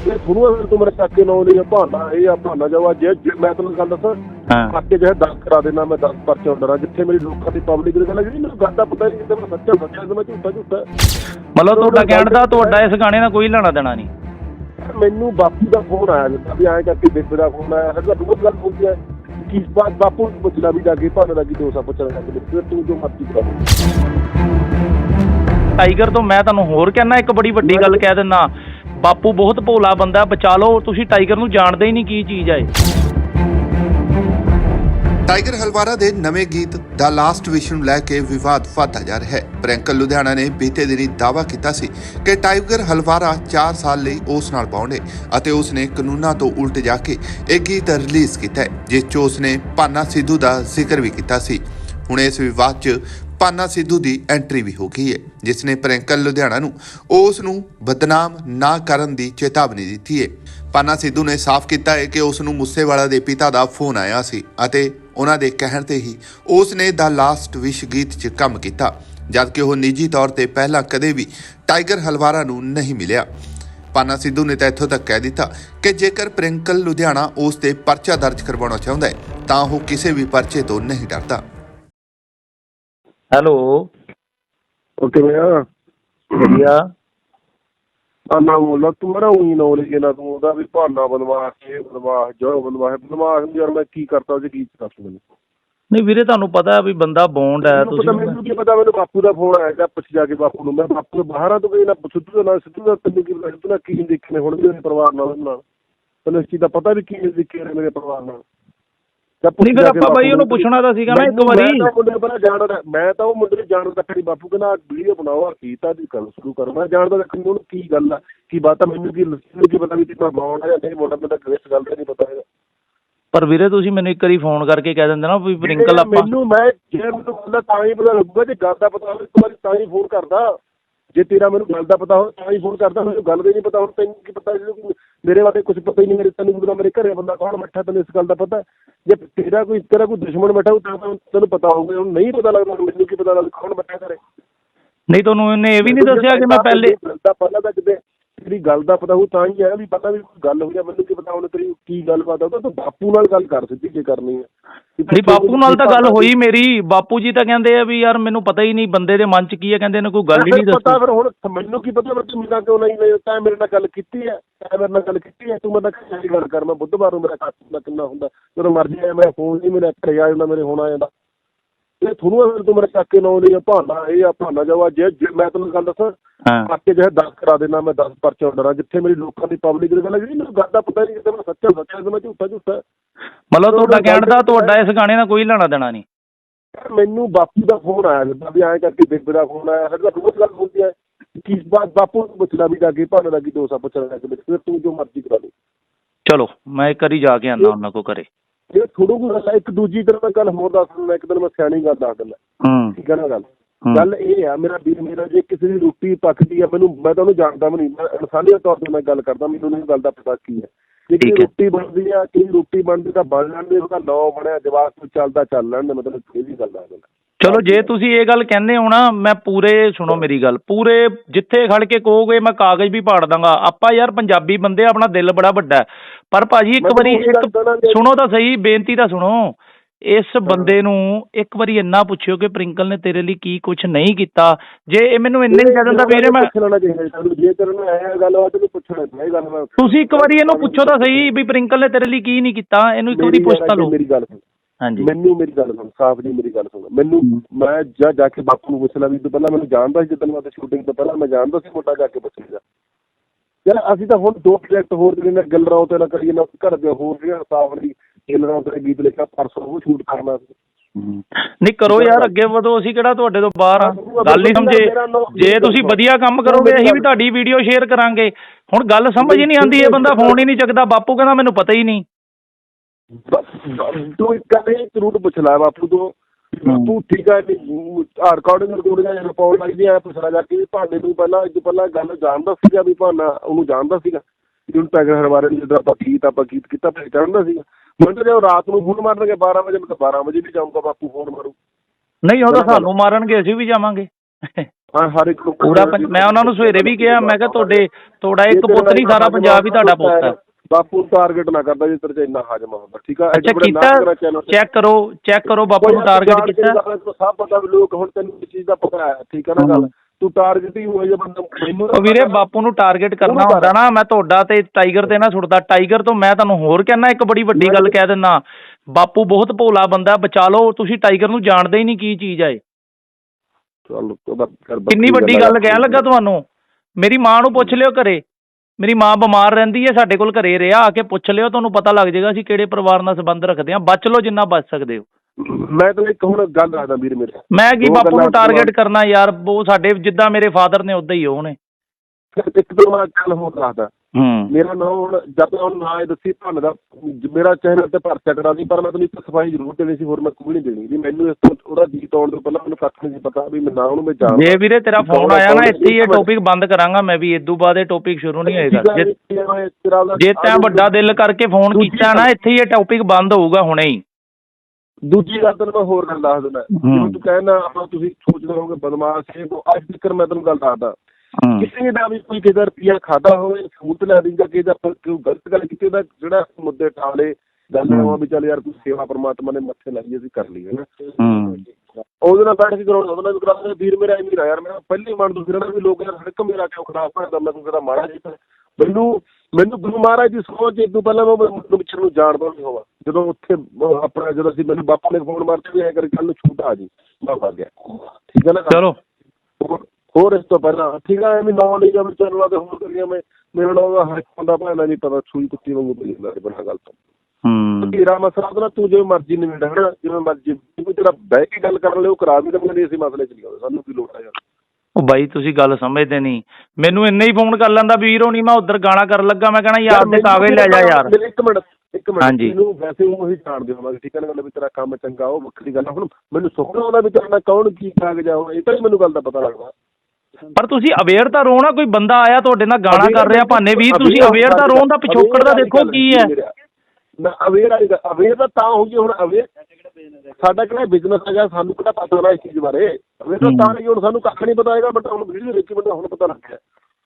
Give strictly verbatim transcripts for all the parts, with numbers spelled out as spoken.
ਇਹ ਤੁਹਾਨੂੰ ਫਿਰ ਤੂੰ ਮੇਰੇ ਕਾਕੇ ਨੌ ਲਈ ਬਹਾਨਾ ਇਹ ਆ ਬਹਾਨਾ ਜਾਵਾ ਜੇ ਮੈਂ ਤੁਹਾਨੂੰ ਗੱਲ ਦੱਸਾਂ ਕਾਕੇ ਚਾਹੇ ਦਸ ਕਰਾ ਦੇਣਾ ਮੈਂ ਦਸ ਪਰਚੇ ਡਰਾਂ ਜਿੱਥੇ ਮੇਰੀ ਲੋਕਾਂ ਦੀ ਪਬਲਿਕ ਦੀ ਗੱਲ ਜਿਹੜੀ ਮੈਨੂੰ ਗੱਲ ਦਾ ਪਤਾ ਨਹੀਂ ਕਿਤੇ ਮੈਂ ਸੱਚਾ ਸੱਚਾ ਤੇ ਮੈਂ ਝੂਠਾ ਝੂਠਾ। ਮਤਲਬ ਤੁਹਾਡਾ ਕਹਿਣ ਦਾ ਤੁਹਾਡਾ ਇਸ ਗਾਣੇ ਦਾ ਕੋਈ ਲੈਣਾ ਦੇਣਾ ਨਹੀਂ। ਮੈਨੂੰ ਬਾਪੂ ਦਾ ਫੋਨ ਆਇਆ ਜਿੱਦਾਂ ਵੀ ਐਂ ਕਰਕੇ ਬੇਬੇ ਦਾ ਫੋਨ ਆਇਆ ਸਾਡਾ ਬਹੁਤ ਗੱਲ ਹੁੰਦੀ ਹੈ ਕਿ ਇਸ ਬਾਤ ਬਾਪੂ ਨੂੰ ਪੁੱਛਣਾ ਵੀ ਜਾ ਕੇ ਭਾਵੇਂ ਦਾ ਕੀ ਦੋਸਾ ਪੁੱਛਣਾ ਜਾ ਕੇ ਤੂੰ ਜੋ ਮਰਜ਼ੀ ਕਰਾ ਟਾਈਗਰ ਤੋਂ ਮੈਂ ਤੁਹਾਨੂੰ ਹੋਰ ਕਹਿਣਾ ਇੱਕ ਬੜੀ ਵੱਡੀ ਗੱਲ ਕਹਿ ਦਿੰਦਾ, ਬਾਪੂ ਬਹੁਤ ਭੋਲਾ ਬੰਦਾ, ਬਚਾ ਲਓ। ਤੁਸੀਂ ਟਾਈਗਰ ਨੂੰ ਜਾਣਦੇ ਹੀ ਨਹੀਂ ਕੀ ਚੀਜ਼ ਹੈ। ਟਾਈਗਰ ਹਲਵਾਰਾ ਦੇ ਨਵੇਂ ਗੀਤ ਦਾ ਲਾਸਟ ਵਿਸ਼ ਨੂੰ ਲੈ ਕੇ ਵਿਵਾਦ ਵਧਦਾ ਜਾ ਰਿਹਾ ਹੈ। ਪ੍ਰਿੰਕਲ ਲੁਧਿਆਣਾ ਨੇ ਬੀਤੇ ਦਿਨੀ ਦਾਅਵਾ ਕੀਤਾ ਸੀ ਕਿ ਟਾਈਗਰ ਹਲਵਾਰਾ ਚਾਰ ਸਾਲ ਲਈ ਉਸ ਨਾਲ ਬੌਂਡੇ ਅਤੇ ਉਸ ਨੇ ਕਾਨੂੰਨਾਂ ਤੋਂ ਉਲਟ ਜਾ ਕੇ ਇਹ ਗੀਤ ਰਿਲੀਜ਼ ਕੀਤਾ ਹੈ, ਜਿਸ 'ਚ ਉਸ ਨੇ ਪਾਨਾ ਸਿੱਧੂ ਦਾ ਜ਼ਿਕਰ ਵੀ ਕੀਤਾ ਸੀ। ਹੁਣ ਇਸ ਵਿਵਾਦ 'ਚ ਪਾਨਾ ਸਿੱਧੂ ਦੀ ਐਂਟਰੀ ਵੀ ਹੋ ਗਈ ਹੈ, ਜਿਸ ਨੇ ਪ੍ਰਿੰਕਲ ਲੁਧਿਆਣਾ ਨੂੰ ਉਸ ਨੂੰ ਬਦਨਾਮ ਨਾ ਕਰਨ ਦੀ ਚੇਤਾਵਨੀ ਦਿੱਤੀ ਹੈ। ਪਾਨਾ ਸਿੱਧੂ ਨੇ ਸਾਫ਼ ਕੀਤਾ ਹੈ ਕਿ ਉਸ ਨੂੰ ਮੂਸੇਵਾਲਾ ਦੇ ਪਿਤਾ ਦਾ ਫੋਨ ਆਇਆ ਸੀ ਅਤੇ ਉਹਨਾਂ ਦੇ ਕਹਿਣ ਤੇ ਹੀ ਉਸ ਨੇ ਦਾ ਲਾਸਟ ਵਿਸ਼ ਗੀਤ 'ਚ ਕੰਮ ਕੀਤਾ, ਜਦਕਿ ਉਹ ਨਿੱਜੀ ਤੌਰ ਤੇ ਪਹਿਲਾਂ ਕਦੇ ਵੀ ਟਾਈਗਰ ਹਲਵਾਰਾ ਨੂੰ ਨਹੀਂ ਮਿਲਿਆ। ਪਾਨਾ ਸਿੱਧੂ ਨੇ ਤਾਂ ਇੱਥੋਂ ਤੱਕ ਕਹਿ ਦਿੱਤਾ ਕਿ ਜੇਕਰ ਪ੍ਰਿੰਕਲ ਲੁਧਿਆਣਾ ਉਸ ਤੇ ਪਰਚਾ ਦਰਜ ਕਰਵਾਉਣਾ ਚਾਹੁੰਦਾ ਹੈ ਤਾਂ ਉਹ ਕਿਸੇ ਵੀ ਪਰਚੇ ਤੋਂ ਨਹੀਂ ਡਰਦਾ। ਹੈਲੋ, ਓਕੇ ਭਈਆ ਵਧੀਆ ਨਾ ਬੋਲਾ ਤੂੰ ਮੇਰਾ ਉਹੀ ਨਾ ਲੈ ਨਾ ਤੂੰ ਉਹਦਾ ਵੀ ਭਾਨਾ ਬਦਮਾਸ਼ ਇਹ ਬਦਮਾਸ਼ ਜੋ ਬਦਮਾਸ਼ ਬਦਮਾਸ਼ ਯਾਰ ਮੈਂ ਕੀ ਕਰਤਾ ਉਹ ਕੀ ਦੱਸ ਮੈਨੂੰ। ਨਹੀਂ ਵੀਰੇ ਤੁਹਾਨੂੰ ਪਤਾ ਵੀ ਬੰਦਾ ਬੌਂਡ ਹੈ। ਤੁਸੀਂ ਮੈਨੂੰ ਕੀ ਪਤਾ, ਮੈਨੂੰ ਬਾਪੂ ਦਾ ਫੋਨ ਆਇਆ ਪੁੱਛ ਜਾ ਕੇ ਬਾਪੂ ਨੂੰ। ਮੈਂ ਬਾਪੂ ਤੋਂ ਬਾਹਰਾਂ ਤੋਂ ਗਈ ਨਾ ਸਿੱਧੂ ਦਾ ਨਾਲ ਸਿੱਧੂ ਦਾ ਤੈਨੂੰ ਕੀ ਸਿੱਧੂ ਨਾਲ ਕੀ ਦੇਖਣੇ ਹੁਣ ਵੀ ਮੇਰੇ ਪਰਿਵਾਰ ਨਾਲ ਨਾਲ ਤੈਨੂੰ ਇਸ ਚੀਜ਼ ਦਾ ਪਤਾ ਵੀ ਕੀ ਦੇਖੇ ਮੇਰੇ ਪਰਿਵਾਰ ਨਾਲ। ਨਹੀਂ ਫਿਰ ਆਪਾਂ ਬਾਈ ਉਹਨੂੰ ਪੁੱਛਣਾ ਤਾਂ ਸੀਗਾ ਨਾ ਇੱਕ ਵਾਰੀ। ਮੁੰਡੇ ਨੂੰ ਜਾਣਦਾ ਮੈਂ ਤਾਂ ਉਹ ਮੁੰਡੇ ਨੂੰ ਜਾਣ ਤੱਕ ਨਹੀਂ ਬਾਪੂ ਕਹਿੰਦਾ ਵੀਡੀਓ ਬਣਾਓ ਕੀਤਾ ਦੀ ਗੱਲ ਸ਼ੁਰੂ ਕਰੋ। ਮੈਂ ਜਾਣਦਾ ਤੱਕ ਉਹਨੂੰ ਕੀ ਗੱਲ ਆ ਕੀ ਬਾਤ ਆ ਮੈਨੂੰ ਕੀ ਮੈਨੂੰ ਕੀ ਪਤਾ ਵੀ ਤੇਰਾ ਬੌਂਡ ਹੈ ਨਹੀਂ ਮੋਟਾ ਮੈਨੂੰ ਇਸ ਗੱਲ ਦਾ ਨਹੀਂ ਪਤਾ ਹੈਗਾ। ਪਰ ਵੀਰੇ ਤੁਸੀਂ ਮੈਨੂੰ ਇੱਕ ਵਾਰੀ ਫੋਨ ਕਰਕੇ ਕਹਿ ਦਿੰਦੇ ਨਾ ਵੀ ਪ੍ਰਿੰਕਲ ਆਪਾਂ ਮੈਨੂੰ ਮੈਂ ਜੇ ਮੈਨੂੰ ਗੱਲ ਤਾਂ ਹੀ ਪਤਾ ਲੱਗੂਗਾ ਜੇ ਗੱਲ ਦਾ ਪਤਾ ਹੋਵੇ ਇੱਕ ਵਾਰੀ ਤਾਂ ਹੀ ਫੋਨ ਕਰਦਾ। ਜੇ ਤੇਰਾ ਮੈਨੂੰ ਗੱਲ ਦਾ ਪਤਾ ਹੋਵੇ ਤਾਂ ਹੀ ਫੋਨ ਕਰਦਾ, ਮੈਨੂੰ ਗੱਲ ਦਾ ਨਹੀਂ ਪਤਾ। ਹੁਣ ਤੈਨੂੰ ਕੀ ਪਤਾ ਮੇਰੇ ਬਾਰੇ ਕੁਝ ਪਤਾ ਹੀ ਨਹੀਂ। ਮੇਰੇ ਤੈਨੂੰ ਪਤਾ ਮੇਰੇ ਘਰੇ ਬੰਦਾ ਕੌਣ ਬੈਠਾ ਤੈਨੂੰ ਇਸ ਗੱਲ ਦਾ ਪਤਾ। ਜੇ ਤੇਰਾ ਕੋਈ ਤੇਰਾ ਕੋਈ ਦੁਸ਼ਮਣ ਬੈਠਾ ਤਾਂ ਤੈਨੂੰ ਪਤਾ ਹੋਊਗਾ। ਹੁਣ ਨਹੀਂ ਪਤਾ ਲੱਗਦਾ ਮੈਨੂੰ ਕੀ ਪਤਾ ਲੱਗਦਾ ਕੌਣ ਬੈਠਾ ਘਰੇ। ਨਹੀਂ ਤੁਹਾਨੂੰ ਇਹਨੇ ਇਹ ਵੀ ਨਹੀਂ ਦੱਸਿਆ ਕਿ ਮੈਂ ਪਹਿਲੇ ਪਹਿਲਾਂ ਤਾਂ ਕਿਤੇ ਤੇਰੀ ਗੱਲ ਦਾ ਪਤਾ ਹੋਊ ਤਾਂ ਹੀ ਹੈ ਵੀ ਪਤਾ ਵੀ ਕੋਈ ਗੱਲ ਹੋਈ ਆ। ਮੈਨੂੰ ਕੀ ਪਤਾ ਹੁਣ ਤੇਰੀ ਕੀ ਗੱਲਬਾਤ ਆ ਉਹ ਤਾਂ ਬਾਪੂ ਨਾਲ ਗੱਲ ਕਰ ਸਿੱਧੀ ਜੇ ਕਰਨੀ ਹੈ। ਨਹੀਂ ਬਾਪੂ ਨਾਲ ਤਾਂ ਗੱਲ ਹੋਈ ਮੇਰੀ। ਬਾਪੂ ਜੀ ਤਾਂ ਕਹਿੰਦੇ ਆ ਵੀ ਯਾਰ ਮੈਨੂੰ ਪਤਾ ਹੀ ਨਹੀਂ ਬੰਦੇ ਦੇ ਮਨ 'ਚ ਕੀ ਹੈ, ਕਹਿੰਦੇ ਨੇ ਕੋਈ ਗੱਲ ਹੀ ਨਹੀਂ ਦੱਸੀ। ਫਿਰ ਹੁਣ ਮੈਨੂੰ ਕੀ ਪਤਾ ਤੂੰ ਮੇਰੇ ਨਾਲ ਕਿਉਂ ਨਹੀਂ ਤੈਂ ਮੇਰੇ ਨਾਲ ਗੱਲ ਕੀਤੀ ਹੈ ਤੈਂ ਮੇਰੇ ਨਾਲ ਗੱਲ ਕੀਤੀ ਹੈ ਤੂੰ ਮੇਰੇ ਨਾਲ ਗੱਲ ਕਰ। ਮੈਂ ਬੁੱਧਵਾਰ ਨੂੰ ਮੇਰਾ ਖਾਤਾ ਕਿੰਨਾ ਹੁੰਦਾ ਜਦੋਂ ਮਰਜ਼ੀ ਆਇਆ ਮੇਰਾ ਫੋਨ ਨਹੀਂ ਮੇਰਾ ਘਰੇ ਆ ਜਾਂਦਾ ਮੇਰੇ ਹੁਣ ਆ ਜਾਂਦਾ। ਇਹ ਤੁਹਾਨੂੰ ਤੂੰ ਮੇਰੇ ਕਾਕੇ ਨੌ ਲਈ ਬਹਾਨਾ ਇਹ ਆ ਬਹਾਨਾ ਜਾਵਾ ਜੇ ਮੈਂ ਤੈਨੂੰ ਗੱਲ ਦੱਸਾਂ ਕਾਕੇ ਚਾਹੇ ਦਸ ਕਰਾ ਦੇਣਾ ਮੈਂ ਦਸ ਪਰਚੇ ਡਰਾਂ ਜਿੱਥੇ ਮੇਰੀ ਲੋਕਾਂ ਦੀ ਪਬਲਿਕ ਦੀ ਗੱਲ ਜਿਹੜੀ ਮੈਨੂੰ ਗੱਲ ਦਾ ਪਤਾ ਨਹੀਂ ਕਿਤੇ ਮੈਂ ਸੱਚਾ ਸੱਚਾ ਤੇ ਮੈਂ ਝੂਠਾ ਝੂਠਾ। ਮਤਲਬ ਤੁਹਾਡਾ ਕਹਿਣ ਦਾ ਤੁਹਾਡਾ ਇਸ ਗਾਣੇ ਦਾ ਕੋਈ ਲੈਣਾ ਦੇਣਾ ਨਹੀਂ। ਮੈਨੂੰ ਬਾਪੂ ਦਾ ਫੋਨ ਆਇਆ ਜਿੱਦਾਂ ਵੀ ਐਂ ਕਰਕੇ ਬੇਬੇ ਦਾ ਫੋਨ ਆਇਆ ਸਾਡਾ ਬਹੁਤ ਗੱਲ ਹੁੰਦੀ ਹੈ ਕਿ ਇਸ ਬਾਤ ਬਾਪੂ ਨੂੰ ਪੁੱਛਣਾ ਵੀ ਜਾ ਕੇ ਭਾਵੇਂ ਦਾ ਕੀ ਦੋਸਾ ਪੁੱਛਣਾ ਜਾ ਕੇ ਫਿਰ ਤੂੰ ਜੋ ਮਰਜ਼ੀ ਕਰਾ ਦੇ। ਚਲੋ ਮੈਂ ਇੱਕ ਵਾਰੀ ਜਾ ਕੇ ਆਉਂਦਾ ਉਹਨਾਂ ਕੋਲ ਘਰੇ। ਇਹ ਥੋੜ੍ਹੀ ਕੋਈ ਗੱਲ ਇੱਕ ਦੂਜੀ ਦਿਨ ਮੈਂ ਗੱਲ ਹੋਰ ਦੱਸ ਦਿੰਦਾ। ਇੱਕ ਦਿਨ ਮੈਂ ਸਿਆਣੀ ਗੱਲ ਦੱਸ ਦਿੰਦਾ ਠੀਕ ਹੈ ਨਾ। ਗੱਲ ਗੱਲ ਇਹ ਆ ਮੇਰਾ ਵੀਰ ਮੇਰਾ ਜੇ ਕਿਸੇ ਦੀ ਰੋਟੀ ਪੱਕਦੀ ਆ ਮੈਨੂੰ ਮੈਂ ਤਾਂ ਉਹਨੂੰ ਜਾਣਦਾ ਵੀ ਨਹੀਂ। ਮੈਂ ਇਨਸਾਨੀਅਤ ਤੌਰ ਤੇ ਮੈਂ ਗੱਲ ਕਰਦਾ ਮੈਨੂੰ ਨਹੀਂ ਗੱਲ ਦਾ ਪਤਾ ਕੀ ਹੈ। ਜੇ ਕਿਸੇ ਰੋਟੀ ਬਣਦੀ ਆ ਕਿਸੇ ਰੋਟੀ ਬਣਦੀ ਤਾਂ ਬਣ ਲੈਣ ਦੇ ਉਹਦਾ ਨੌ ਬਣਿਆ ਜਵਾਕ ਨੂੰ ਚੱਲਦਾ ਚੱਲ ਲੈਣ ਦੇ ਮਤਲਬ ਇਹ ਵੀ ਗੱਲ ਆ। ਗੱਲ ਚਲੋ ਜੇ ਤੁਸੀਂ ਇਹ ਗੱਲ ਕਹਿੰਦੇ ਹੋ ਨਾ ਮੈਂ ਪੂਰੇ ਸੁਣੋ ਮੇਰੀ ਗੱਲ ਪੂਰੇ ਜਿੱਥੇ ਖੜ ਕੇ ਕਹੋਗੇ ਮੈਂ ਕਾਗਜ਼ ਵੀ ਪਾੜ ਦਾਂਗਾ। ਆਪਾਂ ਯਾਰ ਪੰਜਾਬੀ ਬੰਦੇ ਆਪਣਾ ਦਿਲ ਬੜਾ ਵੱਡਾ ਪਰ ਭਾਜੀ ਇੱਕ ਵਾਰੀ ਇੱਕ ਸੁਣੋ ਤਾਂ ਸਹੀ ਬੇਨਤੀ ਤਾਂ ਸੁਣੋ। ਇਸ ਬੰਦੇ ਨੂੰ ਇੱਕ ਵਾਰੀ ਇੰਨਾ ਪੁੱਛਿਓ ਕਿ ਪ੍ਰਿੰਕਲ ਨੇ ਤੇਰੇ ਲਈ ਕੀ ਕੁਛ ਨਹੀਂ ਕੀਤਾ। ਜੇ ਇਹ ਮੈਨੂੰ ਇੰਨੇ ਹੀ ਕਹਿ ਦਿੰਦਾ ਵੀਰੇ ਮੈਂ ਜੇ ਤੇਰੇ ਨਾਲ ਇਹ ਗੱਲ ਆ ਤੈਨੂੰ ਪੁੱਛਣਾ ਇਹ ਗੱਲ ਤੁਸੀਂ ਇੱਕ ਵਾਰੀ ਇਹਨੂੰ ਪੁੱਛੋ ਤਾਂ ਸਹੀ ਵੀ ਪ੍ਰਿੰਕਲ ਨੇ ਤੇਰੇ ਲਈ ਕੀ ਨਹੀਂ ਕੀਤਾ। ਇਹਨੂੰ ਇੱਕ ਵਾਰੀ ਪੁੱਛ ਤਾਂ ਲਓ। ਮੇਰੀ ਗੱਲ ਸੁਣ ਹਾਂਜੀ ਮੈਨੂੰ ਮੇਰੀ ਗੱਲ ਸੁਣ ਸਾਫ਼ ਜੀ ਮੇਰੀ ਗੱਲ ਸੁਣ ਮੈਨੂੰ ਮੈਂ ਜਾ ਜਾ ਕੇ ਬਾਪੂ ਨੂੰ ਪੁੱਛ ਲਾ ਵੀ ਤੋਂ ਪਹਿਲਾਂ ਮੈਨੂੰ ਜਾਣਦਾ ਸੀ ਜਦੋਂ ਮੈਂ ਸ਼ੂਟਿੰਗ ਤੋਂ ਪਹਿਲਾਂ ਮੈਂ ਜਾਣਦਾ ਸੀ ਮੋਟਾ ਜਾ ਕੇ ਪੁੱਛ ਲਿਆ। ਯਾਰ ਅਸੀਂ ਤਾਂ ਹੁਣ ਦੋ ਪ੍ਰੋਜੈਕਟ ਹੋਰ ਜਿਹੜੇ ਗੱਲਰਾਂ ਤੇ ਨਾ ਕਰੀਏ ਨਾ ਘਰ ਦੇ ਹੋਰ ਜਿਹੜਾ ਸਾਫ਼ ਨਹੀਂ ਗੱਲਰਾਂ ਤੇ ਗੀਤ ਲਿਖਿਆ ਪਰਸੋਂ ਉਹ ਸ਼ੂਟ ਕਰਨਾ ਸੀ। ਨਹੀਂ ਕਰੋ ਯਾਰ ਅੱਗੇ ਵਧੋ। ਅਸੀਂ ਕਿਹੜਾ ਤੁਹਾਡੇ ਤੋਂ ਬਾਹਰ ਆ ਗੱਲ ਨਹੀਂ ਸਮਝੇ। ਜੇ ਤੁਸੀਂ ਵਧੀਆ ਕੰਮ ਕਰੋਗੇ ਅਸੀਂ ਵੀ ਤੁਹਾਡੀ ਵੀਡੀਓ ਸ਼ੇਅਰ ਕਰਾਂਗੇ। ਹੁਣ ਗੱਲ ਸਮਝ ਹੀ ਨਹੀਂ ਆਉਂਦੀ ਇਹ ਬੰਦਾ ਫੋਨ ਹੀ ਨਹੀਂ ਚੱਕਦਾ। ਬਾਪੂ ਕਹਿੰਦਾ ਮੈਨੂੰ ਪਤਾ ਹੀ ਨਹੀਂ। ਤੂੰ ਇੱਕ ਗੱਲ ਜ਼ਰੂਰ ਪੁੱਛ ਲੈ ਬਾਪੂ ਤੋਂ ਤੂੰ ਠੀਕ ਹੈ ਰਿਕਾਰਡਿੰਗ ਰਿਕਾਰਡਿੰਗ ਰਿਪੋਰਟ ਲੱਗਦੀ ਐ ਪੁੱਛਣਾ ਜਾ ਕੇ ਭਾਂਡੇ ਨੂੰ ਪਹਿਲਾਂ ਇਹ ਤੋਂ ਪਹਿਲਾਂ ਗੱਲ ਜਾਣਦਾ ਸੀਗਾ ਵੀ ਭਾਨਾ ਉਹਨੂੰ ਜਾਣਦਾ ਸੀਗਾ ਜਿਹਨੂੰ ਟਾਈਗਰ ਹਲਵਾਰੇ ਨੂੰ ਜਦੋਂ ਆਪਾਂ ਗੀਤ ਆਪਾਂ ਗੀਤ ਕੀਤਾ ਪਹਿਚਾਣਦਾ ਸੀਗਾ। ਮੈਨੂੰ ਤਾਂ ਜੇ ਰਾਤ ਨੂੰ ਫੋਨ ਮਾਰਨਗੇ ਬਾਰਾਂ ਵਜੇ ਮੈਂ ਤਾਂ ਬਾਰਾਂ ਵਜੇ ਵੀ ਜਾਊਂਗਾ ਬਾਪੂ ਫੋਨ ਮਾਰੂ। ਨਹੀਂ ਉਹ ਤਾਂ ਸਾਨੂੰ ਮਾਰਨਗੇ ਅਸੀਂ ਵੀ ਜਾਵਾਂਗੇ। ਹਾਂ ਹਰ ਇੱਕ ਨੂੰ ਪੂਰਾ ਪੰਜ- ਮੈਂ ਉਹਨਾਂ ਨੂੰ ਸਵੇਰੇ ਵੀ ਕਿਹਾ, ਮੈਂ ਕਿਹਾ ਤੁਹਾਡੇ ਤੁਹਾਡਾ ਇੱਕ ਪੁੱਤ ਨਹੀਂ, ਸਾਰਾ ਪੰਜਾਬ ਹੀ ਤੁਹਾਡਾ ਪੁੱਤ ਹੈ। ਬਾਪੂ ਨੂੰ ਟਾਰਗੇਟ ਨਾ ਕਰਦਾ ਜੇ ਤੇਰੇ ਚ ਇੰਨਾ ਹਾਜ਼ਮ ਹੁੰਦਾ, ਠੀਕ ਆ। ਅੱਛਾ ਕੀਤਾ, ਚੈੱਕ ਕਰੋ ਚੈੱਕ ਕਰੋ ਬਾਪੂ ਨੂੰ ਟਾਰਗੇਟ ਕੀਤਾ। ਸਭ ਪਤਾ ਵੀ ਲੋਕ ਹੁਣ ਤੈਨੂੰ ਇਸ ਚੀਜ਼ ਦਾ ਪਤਾ ਹੈ, ਠੀਕ ਆ ਨਾ ਗੱਲ। ਤੂੰ ਟਾਰਗੇਟ ਹੀ ਹੋਇਆ ਜੇ ਬੰਦਾ ਮੈਨੂੰ ਉਹ ਵੀਰੇ ਬਾਪੂ ਨੂੰ ਟਾਰਗੇਟ ਕਰਨਾ ਹੁੰਦਾ ਨਾ, ਮੈਂ ਤੁਹਾਡਾ ਤੇ ਟਾਈਗਰ ਤੇ ਨਾ ਛੁੱਟਦਾ। ਟਾਈਗਰ ਤੋਂ ਮੈਂ ਤੁਹਾਨੂੰ ਹੋਰ ਕਹਿਣਾ, ਇੱਕ ਬੜੀ ਵੱਡੀ ਗੱਲ ਕਹਿ ਦਿੰਦਾ, ਬਾਪੂ ਬਹੁਤ ਭੋਲਾ ਬੰਦਾ, ਬਚਾ ਲਓ। ਤੁਸੀਂ ਟਾਈਗਰ ਨੂੰ ਜਾਣਦੇ ਹੀ ਨਹੀਂ ਕੀ ਚੀਜ਼ ਹੈ। ਕਿੰਨੀ ਵੱਡੀ ਗੱਲ ਕਹਿਣ ਲੱਗਾ ਤੁਹਾਨੂੰ। ਮੇਰੀ ਮਾਂ ਨੂੰ ਪੁੱਛ ਲਿਓ ਘਰੇ, ਮੇਰੀ ਮਾਂ ਬਿਮਾਰ ਰਹਿੰਦੀ ਹੈ, ਸਾਡੇ ਕੋਲ ਘਰੇ ਰਿਹਾ, ਆ ਕੇ ਪੁੱਛ ਲਿਓ, ਤੁਹਾਨੂੰ ਪਤਾ ਲੱਗ ਜਾਏਗਾ ਅਸੀਂ ਕਿਹੜੇ ਪਰਿਵਾਰ ਨਾਲ ਸੰਬੰਧ ਰੱਖਦੇ ਹਾਂ। ਬਚ ਲਓ ਜਿੰਨਾ ਬਚ ਸਕਦੇ ਹੋ। ਮੈਂ ਤਾਂ ਇੱਕ ਹੁਣ ਗੱਲ ਦੱਸਦਾ ਵੀਰ ਮੇਰੇ, ਮੈਂ ਕੀ ਬਾਪੂ ਨੂੰ ਟਾਰਗੇਟ ਕਰਨਾ ਯਾਰ, ਉਹ ਸਾਡੇ ਜਿੱਦਾਂ ਮੇਰੇ ਫਾਦਰ ਨੇ ਉਦਾਂ ਹੀ ਉਹ ਨੇ। ਇੱਕ ਤਾਂ ਮੈਂ ਗੱਲ ਹੋਰ ਦੱਸਦਾ, ਮੇਰਾ ਨਾਂ ਹੁਣ ਜਦ ਹੁਣ ਨਾਂ ਇਹ ਦੱਸੀ ਧੰਨ ਦਾ, ਮੇਰਾ ਚੈਨਲ ਤੇ ਪਰਚਾ ਕਰਾ ਸੀ, ਪਰ ਮੈਂ ਤੁਹਾਨੂੰ ਇੱਕ ਸਫਾਈ ਜ਼ਰੂਰ ਦੇਣੀ ਸੀ, ਹੋਰ ਮੈਂ ਕੋਈ ਨਹੀਂ ਦੇਣੀ ਵੀ। ਮੈਨੂੰ ਇਸ ਤੋਂ ਉਹਦਾ ਜੀਤ ਆਉਣ ਤੋਂ ਪਹਿਲਾਂ ਮੈਨੂੰ ਕੱਖ ਨਹੀਂ ਪਤਾ ਵੀ ਮੈਂ ਨਾ ਉਹਨੂੰ ਮੈਂ ਜਾਣਦਾ। ਜੇ ਵੀਰੇ ਤੇਰਾ ਫੋਨ ਆਇਆ ਨਾ, ਇੱਥੇ ਹੀ ਇਹ ਟੌਪਿਕ ਬੰਦ ਕਰਾਂਗਾ ਮੈਂ ਵੀ, ਇਦੋਂ ਬਾਅਦ ਇਹ ਟੌਪਿਕ ਸ਼ੁਰੂ ਨਹੀਂ ਹੋਏਗਾ। ਜੇ ਤੈਂ ਵੱਡਾ ਦਿਲ ਕਰਕੇ ਫੋਨ ਕੀਤਾ ਨਾ, ਇੱਥੇ ਹੀ ਇਹ ਟੌਪਿਕ ਬੰਦ ਹੋਊਗਾ ਹੁਣੇ ਹੀ। ਦੂਜੀ ਗੱਲ ਤੈਨੂੰ ਮੈਂ ਹੋਰ ਗੱਲ ਦੱਸ ਦਿੰਦਾ, ਜਿਵੇਂ ਤੂੰ ਕਹਿਣਾ ਆਪਾਂ ਤੁਸੀਂ ਸੋਚਦੇ ਰਹੋਗੇ ਬਦਮਾਸ਼ ਇਹ ਅੱਜ ਤੱਕ ਮੈਂ ਤੈਨੂੰ ਗੱਲ ਦੱਸਦਾ, ਕਿਸੇ ਦਾ ਵੀ ਕੋਈ ਕਿਸੇ ਦਾ ਰੁਪਈਆ ਖਾਦਾ ਹੋਵੇ, ਸਹੂਲਤ ਲੈ ਦੀ ਜਾਂ ਕਿਸੇ ਦਾ ਕੋਈ ਗਲਤ ਗੱਲ ਕੀਤੀ, ਉਹਦਾ ਜਿਹੜਾ ਮੁੱਦੇ ਟਾਲੇ ਗੱਲ ਹੋਵਾ ਵੀ ਚੱਲ ਯਾਰ ਕੋਈ ਸੇਵਾ ਪਰਮਾਤਮਾ ਨੇ ਮੱਥੇ ਲਾਈ ਅਸੀਂ ਕਰ ਲਈ ਹੈ ਨਾ, ਉਹਦੇ ਨਾਲ ਬੈਠ ਕੇ ਕਰਾਉਣਾ, ਉਹਦੇ ਨਾਲ ਕਰਾਉਣਾ। ਵੀਰ ਮੇਰਾ ਐਵੇਂ ਨਾ ਯਾਰ, ਮੈਂ ਪਹਿਲੀ ਮੰਨ ਤੋਂ ਫਿਰਨਾ ਵੀ ਲੋਕ ਯਾਰ ਹੜਕ ਮੇਰਾ ਕਿਉਂ ਖਰਾਬ ਕਰਦਾ, ਮੈਂ ਕੋਈ ਕਦਾ ਮਾੜਾ ਜੀ। ਮੈਨੂੰ ਮੈਨੂੰ ਗੁਰੂ ਮਹਾਰਾਜ ਦੀ ਸੋਚ ਇਸ ਤੋਂ ਪਹਿਲਾਂ ਮੈਂ ਪਿੱਛੇ ਨੂੰ ਜਾਣਦਾ ਨਹੀਂ ਹੋਵਾ। ਜਦੋਂ ਉੱਥੇ ਆਪਣਾ ਜਦੋਂ ਅਸੀਂ ਮੈਨੂੰ ਬਾਪੂ ਨੇ ਫੋਨ ਮਾਰਤੇ ਵੀ ਐ ਕਰ ਕੱਲ ਨੂੰ ਛੂਟ ਆ ਜੀ, ਮੈਂ ਫਸ ਗਿਆ, ਠੀਕ ਹੈ ਨਾ। ਚਲੋ ਹੋਰ ਇਸ ਤੋਂ ਪਹਿਲਾਂ ਠੀਕ ਆ, ਐਵੇਂ ਨਾਂ ਲਈ ਜਾਂ ਚੈਨਲਾਂ ਤੇ ਹੋਰ ਕਰੀਆਂ ਮੈਂ, ਮੇਰਾ ਨਾਂ ਹਰ ਇੱਕ ਬੰਦਾ ਭਾਣਾ ਨਹੀਂ ਪਤਾ, ਸੂਈ ਕੁੱਤੀ ਵਾਂਗੂ ਪਈ ਜਾਂਦਾ ਬਿਨਾਂ ਗੱਲ ਤੋਂ। ਤੇਰਾ ਮਸਲਾ ਉਹਦਾ ਤੂੰ ਜਿਵੇਂ ਮਰਜ਼ੀ ਨਿਬੇੜ ਹਨਾ, ਜਿਵੇਂ ਮਰਜ਼ੀ ਕੋਈ ਤੇਰਾ ਬਹਿ ਕੇ ਗੱਲ ਕਰਨ ਲਈ ਉਹ ਕਰਾ ਵੀ ਦੇਵਾਂਗੇ, ਅਸੀਂ ਮਸਲੇ ਚ ਨਹੀਂ ਆਉਂਦੇ, ਸਾਨੂੰ ਕੀ ਲੋੜ ਆ ਯਾਰ। ਉਹ ਬਾਈ ਤੁਸੀਂ ਗੱਲ ਸਮਝਦੇ ਨਹੀਂ, ਮੈਨੂੰ ਇੰਨਾ ਹੀ ਫੋਨ ਕਰ ਲੈਂਦਾ ਵੀਰ ਹੋਣੀ, ਮੈਂ ਉੱਧਰ ਗਾਣਾ ਕਰਨ ਲੱਗਾ, ਮੈਂ ਕਹਿਣਾ ਯਾਰ ਦੇ ਕਾਗਜ਼ ਲੈ ਜਾ ਯਾਰ। ਇੱਕ ਮਿੰਟ ਇੱਕ ਮਿੰਟ ਮੈਨੂੰ ਵੈਸੇ ਉਹੀ ਜਾਣਦੇ ਹੋਵਾਂਗੇ, ਠੀਕ ਹੈ ਨਾ ਗੱਲ, ਵੀ ਤੇਰਾ ਕੰਮ ਚੰਗਾ ਉਹ ਵੱਖਰੀ ਗੱਲ। ਹੁਣ ਮੈਨੂੰ ਸੁਪਨਾ ਆਉਂਦਾ ਵੀ ਤੇਰਾ ਕੌਣ ਕੀ ਕਾਗਜ਼ ਆ, ਇਹ ਤਾਂ ਹੀ ਮੈਨੂੰ ਗੱਲ ਦਾ ਪਤਾ ਲੱਗਦਾ। ਪਰ ਤੁਸੀਂ ਅਵੇਅਰ ਤਾਂ ਰਹੋ ਨਾ, ਕੋਈ ਬੰਦਾ ਆਇਆ ਤੁਹਾਡੇ ਨਾਲ ਗਾਣਾ ਕਰ ਰਿਹਾ ਭਾਨੇ ਵੀ, ਤੁਸੀਂ ਅਵੇਅਰ ਤਾਂ ਰਹੋ, ਦਾ ਪਿਛੋਕੜ ਦਾ ਦੇਖੋ ਕੀ ਹੈ। ਅਵੇਅਰ ਅਵੇਅਰ ਤਾਂ ਤਾਂ ਹੋਈਏ, ਹੁਣ ਅਵੇਅਰ ਸਾਡਾ ਕਿਹੜਾ ਬਿਜ਼ਨਸ ਹੈਗਾ, ਸਾਨੂੰ ਕਿਹੜਾ ਪਤਾ ਨਾ ਇਸ ਚੀਜ਼ ਬਾਰੇ। ਅਵੇਅਰ ਤਾਂ ਹੀ ਹੁਣ ਸਾਨੂੰ ਕੱਖ ਨਹੀਂ ਪਤਾ ਹੈਗਾ, ਬਟ ਹੁਣ ਵੀਡੀਓ ਦੇਖੀ ਬੰਦਾ ਹੁਣ ਪਤਾ ਲੱਗ ਗਿਆ।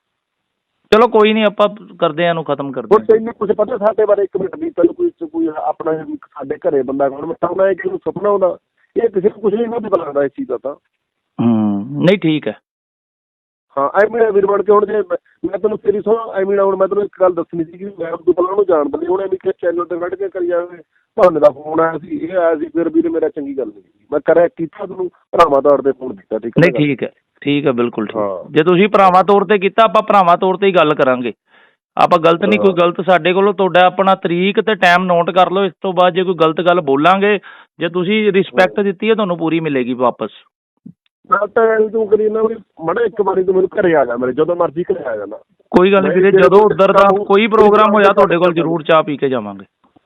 ਚਲੋ ਕੋਈ ਨਹੀਂ, ਆਪਾਂ ਕਰਦੇ ਆ ਇਹਨੂੰ ਖਤਮ ਕਰਦੇ ਹਾਂ। ਤੈਨੂੰ ਕੁਝ ਪਤਾ ਸਾਡੇ ਬਾਰੇ? ਇੱਕ ਮਿੰਟ ਵੀ ਤੈਨੂੰ ਕੋਈ ਕੋਈ ਆਪਣਾ ਸਾਡੇ ਘਰੇ ਬੰਦਾ ਕੌਣ ਮਤਾਉਣਾ ਹੈ, ਕਿਸੇ ਨੂੰ ਸੁਪਨਾ ਆਉਂਦਾ, ਇਹ ਕਿਸੇ ਨੂੰ ਕੁਝ ਨਹੀਂ ਪਤਾ ਲੱਗਦਾ ਇਸ ਚੀਜ਼ ਦਾ ਤਾਂ। ਹੂੰ ਨਹੀਂ ਠੀਕ ਹੈ। ਹਾਂ ਐਵੇਂ ਵੀਰ ਬਣ ਕੇ ਹੁਣ ਜੇ ਮੈਂ ਤੈਨੂੰ ਤੇਰੀ ਸੁਣ ਐਵੇਂ ਹੁਣ ਮੈਂ ਤੈਨੂੰ ਇੱਕ ਗੱਲ ਦੱਸਣੀ ਸੀ ਕਿ ਮੈਂ ਤੂੰ ਪਹਿਲਾਂ ਉਹਨੂੰ ਜਾਣਦਾ ਨਹੀਂ, ਹੁਣ ਐਵੇਂ ਕਿ ਚੈਨਲ ਤੇ ਕੱਢ ਕੇ ਕਰੀ ਜਾਵੇ। ਤੁਹਾਨੂੰ ਦਾ ਫੋਨ ਆਇਆ ਸੀ, ਇਹ ਆਇਆ ਸੀ, ਫਿਰ ਵੀਰ ਮੇਰਾ ਚੰਗੀ ਗੱਲ ਨਹੀਂ ਮੈਂ ਕਰਿਆ ਕੀਤਾ, ਤੈਨੂੰ ਭਰਾਵਾਂ ਤੌਰ ਤੇ ਫੋਨ ਕੀਤਾ, ਠੀਕ ਹੈ। ਨਹੀਂ ਠੀਕ ਹੈ ਠੀਕ ਹੈ ਬਿਲਕੁਲ ਠੀਕ। ਜੇ ਤੁਸੀਂ ਭਰਾਵਾਂ ਤੌਰ ਤੇ ਕੀਤਾ, ਆਪਾਂ ਭਰਾਵਾਂ ਤੌਰ ਤੇ ਹੀ ਗੱਲ ਕਰਾਂਗੇ, ਆਪਾਂ ਗਲਤ ਨਹੀਂ ਕੋਈ ਗਲਤ ਸਾਡੇ ਕੋਲੋਂ। ਤੁਹਾਡਾ ਆਪਣਾ ਤਰੀਕ ਤੇ ਟਾਈਮ ਨੋਟ ਕਰ ਲਓ, ਇਸ ਤੋਂ ਬਾਅਦ ਜੇ ਕੋਈ ਗਲਤ ਗੱਲ ਬੋਲਾਂਗੇ, ਜੇ ਤੁਸੀਂ ਰਿਸਪੈਕਟ ਦਿੱਤੀ ਹੈ ਤੁਹਾਨੂੰ ਪੂਰੀ ਮਿਲੇਗੀ ਵਾਪਸ। ਮੈਂ ਤਾਂ ਤੂੰ ਕਰੀ ਨਾ ਵੀ ਮਾੜਾ ਇੱਕ ਵਾਰੀ ਤੂੰ ਮੈਨੂੰ ਘਰੇ ਆ ਜਾ, ਮੇਰੇ ਜਦੋਂ ਮਰਜ਼ੀ ਘਰੇ ਆ ਜਾਣਾ। ਕੋਈ ਗੱਲ ਨਹੀਂ ਵੀਰੇ, ਜਦੋਂ ਉੱਧਰ ਦਾ ਕੋਈ ਪ੍ਰੋਗਰਾਮ ਹੋਇਆ ਤੁਹਾਡੇ ਕੋਲ ਜ਼ਰੂਰ ਚਾਹ ਪੀ ਕੇ ਜਾਵਾਂਗੇ।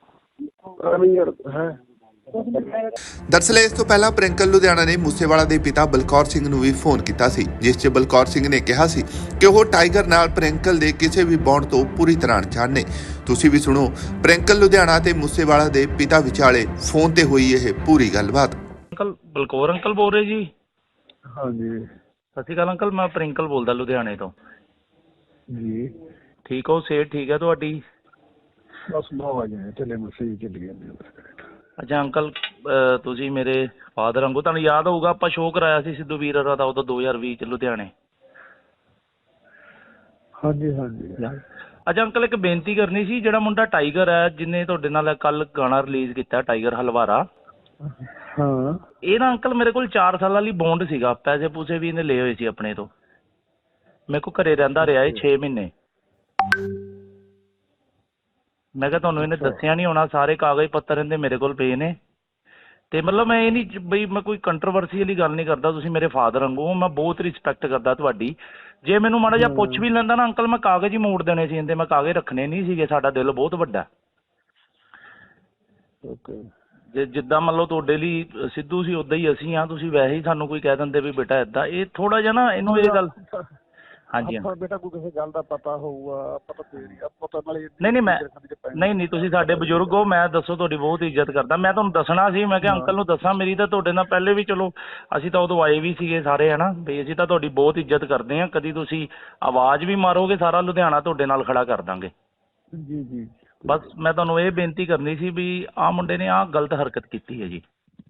ਦਰਅਸਲ ਇਸ ਤੋਂ ਪਹਿਲਾਂ ਪ੍ਰਿੰਕਲ ਲੁਧਿਆਣਾ ਨੇ ਮੂਸੇਵਾਲਾ ਦੇ ਪਿਤਾ ਬਲਕੌਰ ਸਿੰਘ ਨੂੰ ਵੀ ਫੋਨ ਕੀਤਾ ਸੀ, ਜਿਸ 'ਚ ਬਲਕੌਰ ਸਿੰਘ ਨੇ ਕਿਹਾ ਸੀ ਕਿ ਉਹ ਟਾਈਗਰ ਨਾਲ ਪ੍ਰਿੰਕਲ ਦੇ ਕਿਸੇ ਵੀ ਬੌਂਡ ਤੋਂ ਪੂਰੀ ਤਰ੍ਹਾਂ ਅਣਜਾਣ ਨੇ। ਤੁਸੀਂ ਵੀ ਸੁਣੋ ਪ੍ਰਿੰਕਲ ਲੁਧਿਆਣਾ ਤੇ ਮੂਸੇਵਾਲਾ ਦੇ ਪਿਤਾ ਵਿਚਾਲੇ ਫੋਨ ਤੇ ਹੋਈ ਇਹ ਪੂਰੀ ਗੱਲਬਾਤ। ਅੰਕਲ ਬਲਕੌਰ ਅੰਕਲ ਬੋਲ ਰਹੇ ਜੀ? ਹਾਂਜੀ ਸਤਿ ਸ਼੍ਰੀ ਅਕਾਲ ਅੰਕਲ, ਮੈਂ ਪ੍ਰਿੰਕਲ ਬੋਲਦਾ ਲੁਧਿਆਣੇ ਤੋਂ ਜੀ। ਠੀਕ ਹੋ? ਸਿਹਤ ਠੀਕ ਹੈ ਤੁਹਾਡੀ? ਬਸ ਬਹੁਤ ਆ ਚੱਲੇ ਮਸੀ ਚੱਲੀ ਜਾਂਦੀ। ਅੱਛਾ ਅੰਕਲ, ਤੁਸੀਂ ਮੇਰੇ ਫਾਦਰ ਵਾਂਗੂ, ਤੁਹਾਨੂੰ ਯਾਦ ਹੋਊਗਾ ਆਪਾਂ ਸ਼ੋਅ ਕਰਾਇਆ ਸੀ ਸਿੱਧੂ ਵੀਰ ਦਾ ਉਦੋਂ ਦੋ ਹਜ਼ਾਰ ਵੀਹ ਚ ਲੁਧਿਆਣੇ। ਹਾਂਜੀ ਹਾਂਜੀ। ਅੱਛਾ ਅੰਕਲ, ਇੱਕ ਬੇਨਤੀ ਕਰਨੀ ਸੀ, ਜਿਹੜਾ ਮੁੰਡਾ ਟਾਈਗਰ ਹੈ ਜਿਹਨੇ ਤੁਹਾਡੇ ਨਾਲ ਕੱਲ ਗਾਣਾ ਰਿਲੀਜ਼ ਕੀਤਾ, ਟਾਈਗਰ ਹਲਵਾਰਾ, ਹਾਂ, ਇਹ ਨਾ ਅੰਕਲ ਮੇਰੇ ਕੋਲ ਚਾਰ ਸਾਲਾਂ ਲਈ ਬੌਂਡ ਸੀਗਾ, ਪੈਸੇ ਪੂਸੇ ਵੀ ਇਹਨੇ ਲਏ ਹੋਏ ਸੀ ਆਪਣੇ ਤੋਂ, ਮੇਰੇ ਕੋਲ ਘਰੇ ਰਹਿੰਦਾ ਰਿਹਾ ਇਹ ਛੇ ਮਹੀਨੇ। ਮੈਂ ਕਿਹਾ ਤੁਹਾਨੂੰ ਇਹਨੇ ਦੱਸਿਆ ਨਹੀਂ ਹੋਣਾ, ਸਾਰੇ ਕਾਗਜ਼ ਪੱਤਰ ਇਹਦੇ ਮੇਰੇ ਕੋਲ ਪਏ ਨੇ। ਤੇ ਮਤਲਬ ਮੈਂ ਇਹ ਨਹੀਂ ਬਈ ਮੈਂ ਕੋਈ ਕੰਟਰੋਵਰਸੀ ਵਾਲੀ ਗੱਲ ਨਹੀਂ ਕਰਦਾ, ਤੁਸੀਂ ਮੇਰੇ ਫਾਦਰ ਵਾਂਗੂ, ਮੈਂ ਬਹੁਤ ਰਿਸਪੈਕਟ ਕਰਦਾ ਤੁਹਾਡੀ। ਜੇ ਮੈਨੂੰ ਮਾੜਾ ਜਿਹਾ ਪੁੱਛ ਵੀ ਲੈਂਦਾ ਨਾ ਅੰਕਲ, ਮੈਂ ਕਾਗਜ਼ ਹੀ ਮੋੜ ਦੇਣੇ ਸੀ ਇਹਦੇ, ਮੈਂ ਕਾਗਜ਼ ਰੱਖਣੇ ਨਹੀਂ ਸੀਗੇ, ਸਾਡਾ ਦਿਲ ਬਹੁਤ ਵੱਡਾ। ਓਕੇ। ਜੇ ਜਿੱਦਾਂ ਮੰਨ ਲਓ ਤੁਹਾਡੇ ਲਈ ਸਿੱਧੂ ਸੀ ਉਦਾਂ ਹੀ ਅਸੀਂ ਹਾਂ, ਤੁਸੀਂ ਵੈਸੇ ਹੀ ਸਾਨੂੰ ਕੋਈ ਕਹਿ ਦਿੰਦੇ ਵੀ ਬੇਟਾ ਏਦਾਂ, ਇਹ ਥੋੜਾ ਜਿਹਾ ਨਾ ਇਹਨੂੰ ਇਹ ਗੱਲ। ਹਾਂਜੀ ਆਪਾਂ ਬੇਟਾ ਕੋਈ ਕਿਸੇ ਗੱਲ ਦਾ ਪਤਾ ਹੋਊਗਾ ਪਤਾ ਫੇਰ ਹੀ ਆਪਾਂ ਤਾਂ ਨਾਲੇ ਨਹੀਂ ਨਹੀਂ ਮੈਂ ਨਹੀਂ ਨਹੀਂ ਤੁਸੀਂ ਸਾਡੇ ਬਜ਼ੁਰਗ ਹੋ, ਮੈਂ ਦੱਸੋ ਤੁਹਾਡੀ ਬਹੁਤ ਇੱਜ਼ਤ ਕਰਦਾ। ਮੈਂ ਤੁਹਾਨੂੰ ਦੱਸਣਾ ਸੀ, ਮੈਂ ਕਿਹਾ ਅੰਕਲ ਨੂੰ ਦੱਸਾਂ, ਮੇਰੀ ਤਾਂ ਤੁਹਾਡੇ ਨਾਲ ਪਹਿਲੇ ਵੀ ਚਲੋ ਅਸੀਂ ਤਾਂ ਉਦੋਂ ਆਏ ਵੀ ਸੀਗੇ ਸਾਰੇ ਹੈ ਨਾ ਵੀ, ਅਸੀਂ ਤਾਂ ਤੁਹਾਡੀ ਬਹੁਤ ਇੱਜ਼ਤ ਕਰਦੇ ਹਾਂ। ਕਦੀ ਤੁਸੀਂ ਆਵਾਜ਼ ਵੀ ਮਾਰੋਗੇ ਸਾਰਾ ਲੁਧਿਆਣਾ ਤੁਹਾਡੇ ਨਾਲ ਖੜਾ ਕਰ ਦਾਂਗੇ। ਜੀ ਜੀ ਬਸ ਮੈਂ ਤੁਹਾਨੂੰ ਇਹ ਬੇਨਤੀ ਕਰਨੀ ਸੀ ਵੀ ਆਹ ਮੁੰਡੇ ਨੇ ਆਹ ਗਲਤ ਹਰਕਤ ਕੀਤੀ ਹੈ ਜੀ।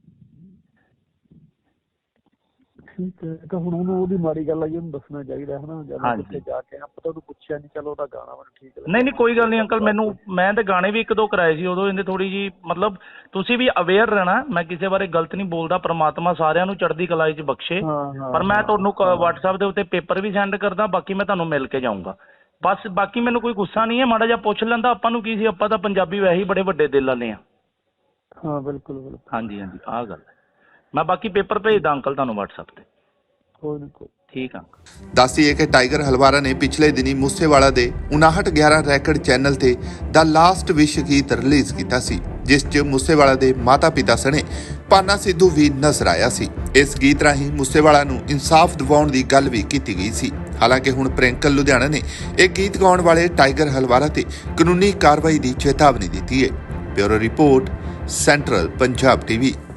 ਠੀਕ ਹੈ ਤਾਂ ਹੁਣ ਉਹਨੂੰ ਉਹਦੀ ਮਾੜੀ ਗੱਲ ਆਈ ਉਹਨੂੰ ਦੱਸਣਾ ਚਾਹੀਦਾ ਹੈ ਨਾ। ਜਦੋਂ ਕਿੱਥੇ ਜਾ ਕੇ ਆਪਾਂ ਤਾਂ ਉਹਨੂੰ ਪੁੱਛਿਆ ਨਹੀਂ, ਚਲੋ ਉਹਦਾ ਗਾਣਾ ਮੈਨੂੰ ਠੀਕ ਲੱਗਦਾ। ਨਹੀਂ ਨਹੀਂ ਕੋਈ ਗੱਲ ਨਹੀਂ ਅੰਕਲ, ਮੈਨੂੰ ਮੈਂ ਤਾਂ ਗਾਣੇ ਵੀ ਇੱਕ ਦੋ ਕਰਾਏ ਸੀ ਉਦੋਂ, ਇਹਨੇ ਥੋੜੀ ਜੀ ਮਤਲਬ ਤੁਸੀਂ ਵੀ ਅਵੇਅਰ ਰਹਿਣਾ। ਮੈਂ ਕਿਸੇ ਬਾਰੇ ਗਲਤ ਨਹੀਂ ਬੋਲਦਾ, ਪ੍ਰਮਾਤਮਾ ਸਾਰਿਆਂ ਨੂੰ ਚੜ੍ਹਦੀ ਕਲਾ 'ਚ ਬਖਸ਼ੇ। ਪਰ ਮੈਂ ਤੁਹਾਨੂੰ WhatsApp ਦੇ ਉੱਤੇ ਪੇਪਰ ਵੀ ਸੈਂਡ ਕਰਦਾ, ਬਾਕੀ ਮੈਂ ਤੁਹਾਨੂੰ ਮਿਲ ਕੇ ਜਾਊਂਗਾ ਬਸ। ਬਾਕੀ ਮੈਨੂੰ ਕੋਈ ਗੁੱਸਾ ਨਹੀਂ ਹੈ, ਮਾੜਾ ਜਿਹਾ ਪੁੱਛ ਲੈਂਦਾ, ਆਪਾਂ ਨੂੰ ਕੀ ਸੀ, ਆਪਾਂ ਤਾਂ ਪੰਜਾਬੀ ਵੈਸੇ ਹੀ ਬੜੇ ਵੱਡੇ ਦਿਲ ਵਾਲੇ ਆ। ਹਾਂ ਬਿਲਕੁਲ ਬਿਲਕੁਲ ਹਾਂਜੀ ਹਾਂਜੀ ਆਹ ਗੱਲ ਮੈਂ ਬਾਕੀ ਪੇਪਰ ਭੇਜਦਾ ਅੰਕਲ ਤੁਹਾਨੂੰ WhatsApp ਤੇ। ਕੋਈ ਨਹੀਂ ਕੋਈ ਠੀਕ ਆ। ਦੱਸੀਏ ਕਿ ਟਾਈਗਰ ਹਲਵਾਰਾ ਨੇ ਪਿਛਲੇ ਦਿਨੀ ਮੂਸੇਵਾਲਾ ਦੇ ਉਨਾਹਠ ਗਿਆਰਾਂ ਰੈਕਡ ਚੈਨਲ ਤੇ ਦਾ ਲਾਸਟ ਵਿਸ਼ ਗੀਤ ਰਿਲੀਜ਼ ਕੀਤਾ ਸੀ, ਜਿਸ 'ਚ ਮੂਸੇਵਾਲਾ ਦੇ ਮਾਤਾ ਪਿਤਾ ਸਣੇ ਪਾਨਾ ਸਿੱਧੂ ਵੀ ਨਜ਼ਰ ਆਇਆ ਸੀ। ਇਸ ਗੀਤ ਰਾਹੀਂ ਮੂਸੇਵਾਲਾ ਨੂੰ ਇਨਸਾਫ ਦਿਵਾਉਣ ਦੀ ਗੱਲ ਵੀ ਕੀਤੀ ਗਈ ਸੀ। ਹਾਲਾਂਕਿ ਹੁਣ ਪ੍ਰਿੰਕਲ ਲੁਧਿਆਣਾ ਨੇ ਇਹ ਗੀਤ ਗਾਉਣ ਵਾਲੇ ਟਾਈਗਰ ਹਲਵਾਰਾ ਤੇ ਕਾਨੂੰਨੀ ਕਾਰਵਾਈ ਦੀ ਚੇਤਾਵਨੀ ਦਿੱਤੀ ਹੈ। Bureau report, central Punjab TV.